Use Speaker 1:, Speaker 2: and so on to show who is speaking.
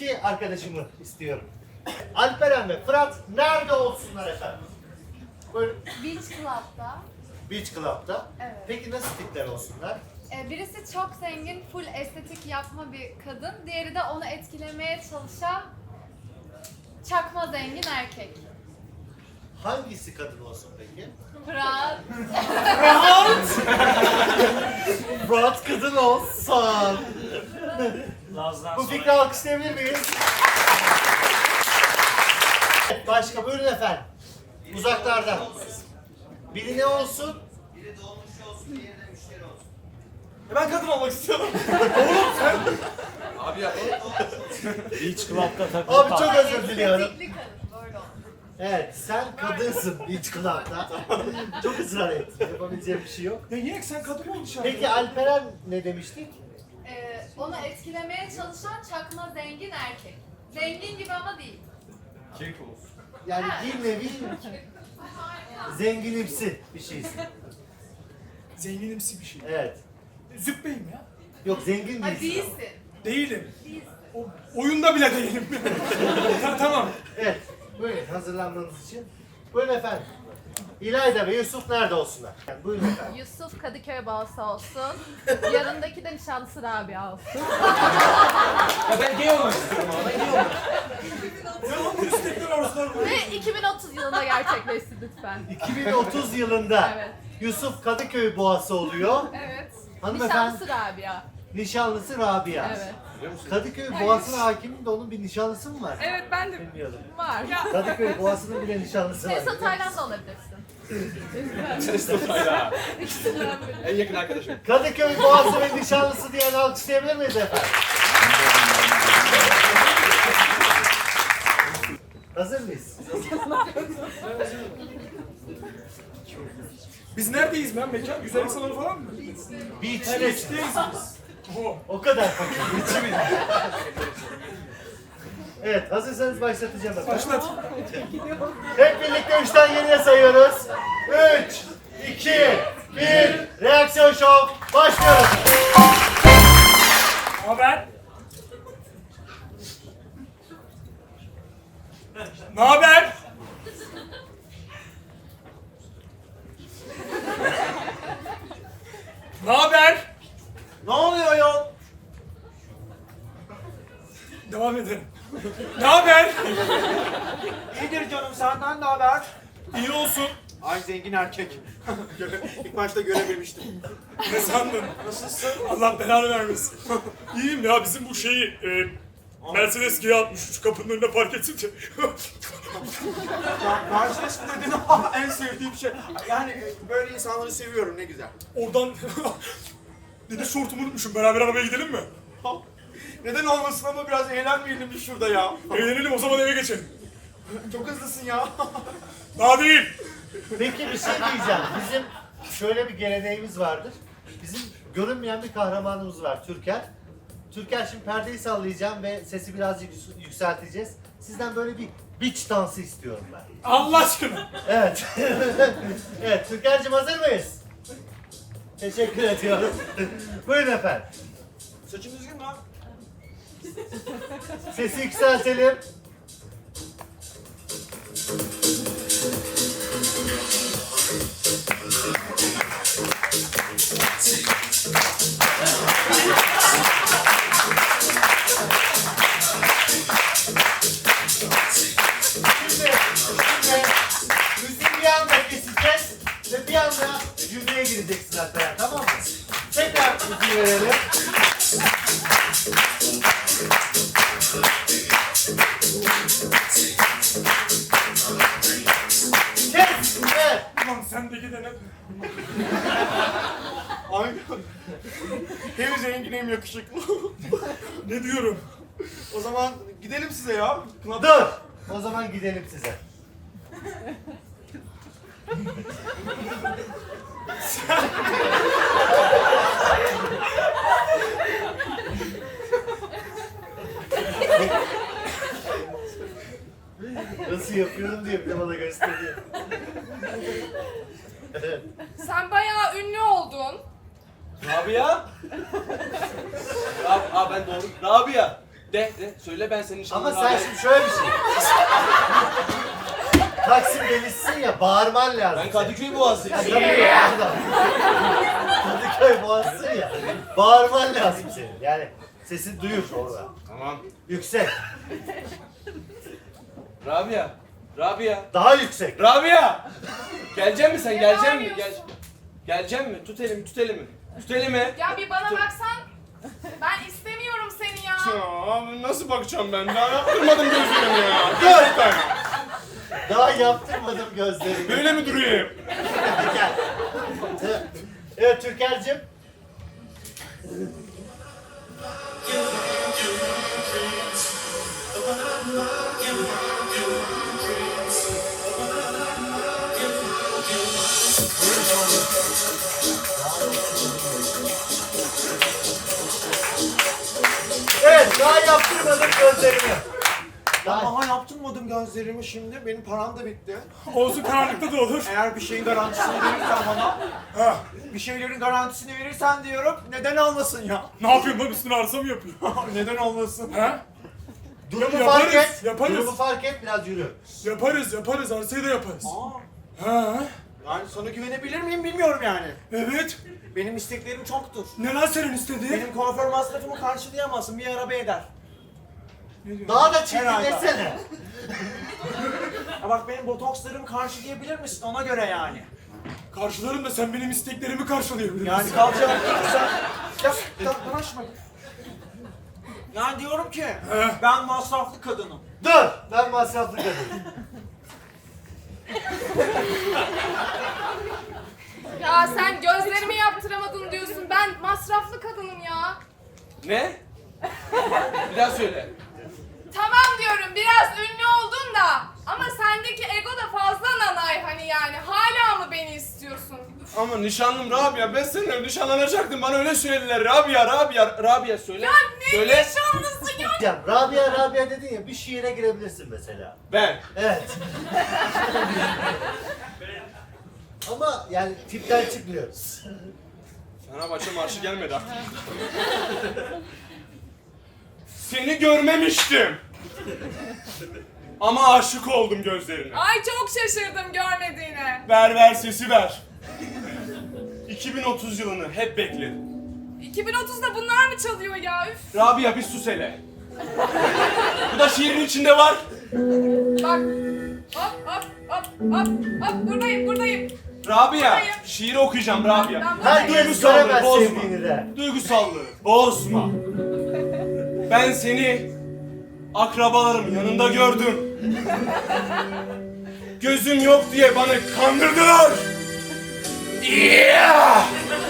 Speaker 1: iki arkadaşımı istiyorum. Alperen ve Fırat nerede olsunlar efendim? Buyurun.
Speaker 2: Beach Club'da.
Speaker 1: Beach Club'da.
Speaker 2: Evet.
Speaker 1: Peki nasıl tipler olsunlar?
Speaker 2: Birisi çok zengin, full estetik yapma bir kadın. Diğeri de onu etkilemeye çalışan çakma zengin erkek.
Speaker 1: Hangisi kadın olsun peki?
Speaker 2: Fırat.
Speaker 1: Fırat kadın olsun. Bu fikri alkışlayabilir miyiz? Başka buyurun efendim. Uzaklardan. Biri ne olsun?
Speaker 3: Biri dolmuş olsun, diğeri de müşteri olsun.
Speaker 4: Ben kadın olmak istiyorum.
Speaker 3: Abi ya.
Speaker 5: Beach Club'da takılı
Speaker 1: Abi çok özür diliyorum.
Speaker 2: Estetikli kadın, böyle olsun.
Speaker 1: Evet, sen kadınsın Beach Club'da. Çok ısrar ettin. Yapabileceğim bir şey yok.
Speaker 4: Ya niye sen kadın olmuş ya?
Speaker 1: Peki Alperen ne demiştik?
Speaker 2: Onu etkilemeye çalışan çakma zengin erkek. Zengin gibi ama değil.
Speaker 4: Keyif olsun.
Speaker 1: Yani bir nevi zenginimsi bir şeysin.
Speaker 4: Zenginimsi bir şey.
Speaker 1: Evet.
Speaker 4: Züppeyim ya.
Speaker 1: Yok zengin
Speaker 2: Ha,
Speaker 1: değilsin.
Speaker 2: değilsin.
Speaker 4: Değilim.
Speaker 2: Değilsin.
Speaker 4: Oyunda bile değilim. Tamam.
Speaker 1: Evet. Buyurun hazırlanmanız için. Buyurun efendim. İlayda ve Yusuf nerede olsunlar? Yani buyurun efendim.
Speaker 6: Yusuf Kadıköy balsı olsun. Yanındaki de nişanlısı Rabia olsun.
Speaker 4: Ya ben gay olmak istiyorum ama. Ben gay olmak istiyorum. Ya bu istekler arasında.
Speaker 6: Ve 2030 yılında gerçekleşsin lütfen.
Speaker 1: 2030 yılında
Speaker 6: Evet.
Speaker 1: Yusuf Kadıköy boğası oluyor.
Speaker 6: Evet.
Speaker 1: Hanımefendi
Speaker 6: Nişanlısı Rabia.
Speaker 1: nişanlısı Rabia.
Speaker 6: Evet.
Speaker 1: Kadıköy boğasına hakimim de onun bir nişanlısı mı var?
Speaker 6: Evet ben de
Speaker 1: Bilmiyordum.
Speaker 6: var.
Speaker 1: Kadıköy boğasının bile nişanlısı var.
Speaker 6: Tesla Tayland'da olabilirsin.
Speaker 4: En yakın arkadaşım.
Speaker 1: Kadıköy boğası ve nişanlısı diyen alkışlayabilir miyiz efendim? Hazır mıyız?
Speaker 4: Biz neredeyiz ben mekan? Güzellik salonu falan mı?
Speaker 1: Beach.
Speaker 4: Beach'teyiz biz.
Speaker 1: O kadar fakir. Beach'i mi? Evet, hazırsanız başlatacağım efendim.
Speaker 4: Başlat.
Speaker 1: Hep birlikte 3'ten geriye sayıyoruz. 3, 2, 1, reaksiyon şov. Başlıyoruz.
Speaker 4: Haber? Ne haber? Ne haber?
Speaker 1: Ne oluyor yol?
Speaker 4: Devam edelim. Ne haber?
Speaker 3: İyidir canım, senden ne haber?
Speaker 4: İyi olsun.
Speaker 3: Ay zengin erkek. İlk başta görememiştim.
Speaker 4: Ne sandın? Nasılsın? Allah belanı vermesin. İyiyim ya, bizim bu şeyi Mercedes G63 şu kapının önüne park etsin de.
Speaker 3: Mercedes mi dedin? En sevdiğim şey. Yani böyle insanları seviyorum, ne güzel.
Speaker 4: Oradan deniz şortumu unutmuşum. Beraber arabaya gidelim mi?
Speaker 3: Neden olmasın ama biraz eğlenmeyelim biz şurada ya.
Speaker 4: Eğlenelim, o zaman eve geçelim.
Speaker 3: Çok hızlısın ya.
Speaker 4: Daha değil.
Speaker 1: Peki bir şey diyeceğim. Bizim şöyle bir geleneğimiz vardır. Bizim görünmeyen bir kahramanımız var Türker. Türker şimdi perdeyi sallayacağım ve sesi birazcık yükselteceğiz. Sizden böyle bir beach dansı istiyorum ben.
Speaker 4: Allah aşkına.
Speaker 1: Evet. Evet, Türker'cim hazır mıyız? Teşekkür ediyorum. Buyurun efendim.
Speaker 3: Saçın düzgün mü?
Speaker 1: Sesi yükseltelim. Şimdi müziği bir anda keseceğiz ve bir anda cümleye gireceksin hatta, tamam mı? Tekrar müziği verelim. Kes! Evet.
Speaker 4: Ulan sendeki de ne?
Speaker 3: Aynen. Hem zengin hem yakışıklı.
Speaker 4: Ne diyorum?
Speaker 3: O zaman gidelim size ya.
Speaker 1: Dur! O zaman gidelim size. Nasıl yapıyorum diye bir de bana gösteriyor. Evet.
Speaker 6: Sen bayağı ünlü oldun.
Speaker 3: Rabia? Ben doğru. Rabia. De söyle ben senin
Speaker 1: Ama
Speaker 3: nişanlın
Speaker 1: sen şimdi şöyle bir şey. Taksim delisisin ya, bağırman lazım.
Speaker 3: Ben Kadıköy Boğazı'yım.
Speaker 1: Tabii, pardon. Kadıköy boğazsın ya. Bağırman lazım senin. Yani sesin duyur orada.
Speaker 3: Tamam.
Speaker 1: Yüksek.
Speaker 3: Rabia.
Speaker 1: Daha yüksek.
Speaker 3: Rabia! Gelecek misin sen?
Speaker 2: Ne
Speaker 3: Gelecek mi?
Speaker 2: bağırıyorsun?
Speaker 3: Gelecek mi? Tut elimi. Tut elimi.
Speaker 2: Ya bir bana baksan. Ben istemiyorum seni ya.
Speaker 3: Ya nasıl bakacağım ben? Daha yaptırmadım gözlerimi ya.
Speaker 1: Dur. Daha yaptırmadım gözlerimi.
Speaker 3: Böyle mi durayım?
Speaker 1: Gel. Evet Türker'cim. Evet, daha yaptırmadım gözlerimi. Daha...
Speaker 3: Aha yaptırmadım gözlerimi şimdi. Benim param da bitti.
Speaker 4: Olsun karanlıkta da olur.
Speaker 3: Eğer bir şeyin garantisini verirsen bana,
Speaker 4: Ha,
Speaker 3: bir şeylerin garantisini verirsen diyorum, neden olmasın ya?
Speaker 4: ne yapıyorsun lan, üstüne arsa mı yapıyor?
Speaker 3: Neden olmasın?
Speaker 4: Ha?
Speaker 1: Durumu
Speaker 4: Yaparız,
Speaker 1: fark et.
Speaker 4: yaparız.
Speaker 1: Durumu fark et, biraz yürü.
Speaker 4: Yaparız, arsayı da yaparız.
Speaker 3: Aa,
Speaker 4: Ha,
Speaker 3: yani sana güvenebilir miyim bilmiyorum yani.
Speaker 4: evet.
Speaker 3: Benim isteklerim çoktur.
Speaker 4: Ne lan senin istediğin?
Speaker 3: Benim kuaför masrafımı karşılayamazsın, bir araba eder.
Speaker 1: Daha da
Speaker 3: Herhalde.
Speaker 1: çirkinleşsene.
Speaker 3: Ya bak benim botokslarımı karşılayabilir misin ona göre yani.
Speaker 4: Karşılarım da sen benim isteklerimi karşılayabilir
Speaker 3: Yani
Speaker 4: misin?
Speaker 3: kalacağım sen... Ya uğraşma. Yani diyorum ki, ben masraflı kadınım.
Speaker 1: Dur, ben masraflı kadın.
Speaker 2: Ya sen gözlerimi yaptıramadın diyorsun. Ben masraflı kadınım ya.
Speaker 3: Ne? Bir daha söyle.
Speaker 2: Tamam diyorum biraz ünlü oldun da. Ama sendeki ego da fazla nanay hani yani. Hala mı beni istiyorsun?
Speaker 3: Ama nişanlım Rabia, ben seninle nişanlanacaktım. Bana öyle söylediler. Rabia söyle.
Speaker 2: Ya ne
Speaker 3: söyle.
Speaker 2: nişanlısı ya?
Speaker 1: Ya Rabia dedin ya, bir şiire girebilirsin mesela.
Speaker 3: Ben.
Speaker 1: Evet. Ama yani tipten çıkmıyoruz.
Speaker 3: Fenerbahçe marşı gelmedi artık. Seni görmemiştim. Ama aşık oldum gözlerine.
Speaker 2: Ay çok şaşırdım görmediğine.
Speaker 3: Ver sesi ver. 2030 yılını hep bekledim.
Speaker 2: 2030'da bunlar mı çalıyor ya? Üf.
Speaker 3: Rabia bir sus hele. Bu da şiirin içinde var.
Speaker 2: Bak. Hop. Buradayım.
Speaker 3: Rabia,
Speaker 2: Hayır.
Speaker 3: şiiri okuyacağım Rabia.
Speaker 2: Ben buradayım.
Speaker 1: Herkes
Speaker 3: Duygusallığı
Speaker 1: göremez
Speaker 3: bozma.
Speaker 1: sevdiğini de.
Speaker 3: Duygusallığı bozma. Ben seni akrabalarımın yanında gördüm. Gözüm yok diye bana kandırdılar. Yeah!